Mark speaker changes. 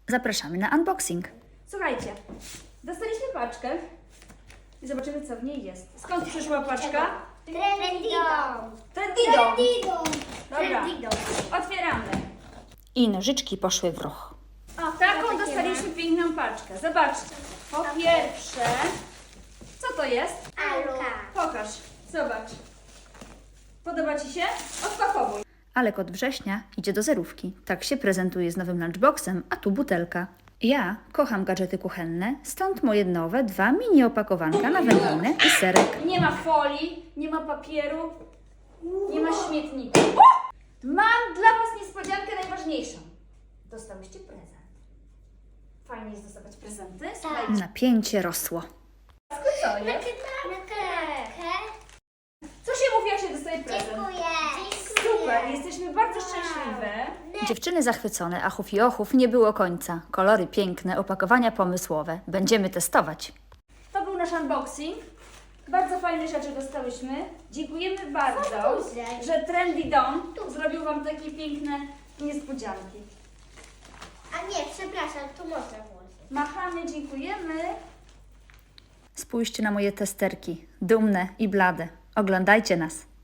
Speaker 1: Zapraszamy na unboxing.
Speaker 2: Słuchajcie, dostaliśmy paczkę i zobaczymy, co w niej jest. Skąd przyszła paczka? Trendido. Dobra, otwieramy.
Speaker 1: I nożyczki poszły w ruch.
Speaker 2: Taką dostaliśmy piękną paczkę. Zobaczcie. Po pierwsze, co to jest? Pokaż, zobacz. Podoba Ci się? Odpakowuj.
Speaker 1: Ale kot września idzie do zerówki. Tak się prezentuje z nowym lunchboxem, a tu butelka. Ja kocham gadżety kuchenne, stąd moje nowe 2 mini opakowanka na wędlinę i serek.
Speaker 2: Nie ma folii, nie ma papieru, nie ma śmietnika. Mam dla Was niespodziankę najważniejszą. Dostałyście prezent. Fajnie jest dostawać prezenty. Słuchajcie,
Speaker 1: Napięcie rosło.
Speaker 2: co jest? Co się mówi, jak się dostaje prezent? Super, jesteśmy bardzo szczęśliwe.
Speaker 1: Dziewczyny zachwycone, achów i ochów nie było końca. Kolory piękne, opakowania pomysłowe. Będziemy testować.
Speaker 2: To był nasz unboxing. Bardzo fajne rzeczy dostałyśmy. Dziękujemy bardzo, że Trendy Dom zrobił Wam takie piękne niespodzianki.
Speaker 3: A nie, przepraszam, tu można włożyć.
Speaker 2: Machamy, dziękujemy.
Speaker 1: Spójrzcie na moje testerki. Dumne i blade. Oglądajcie nas.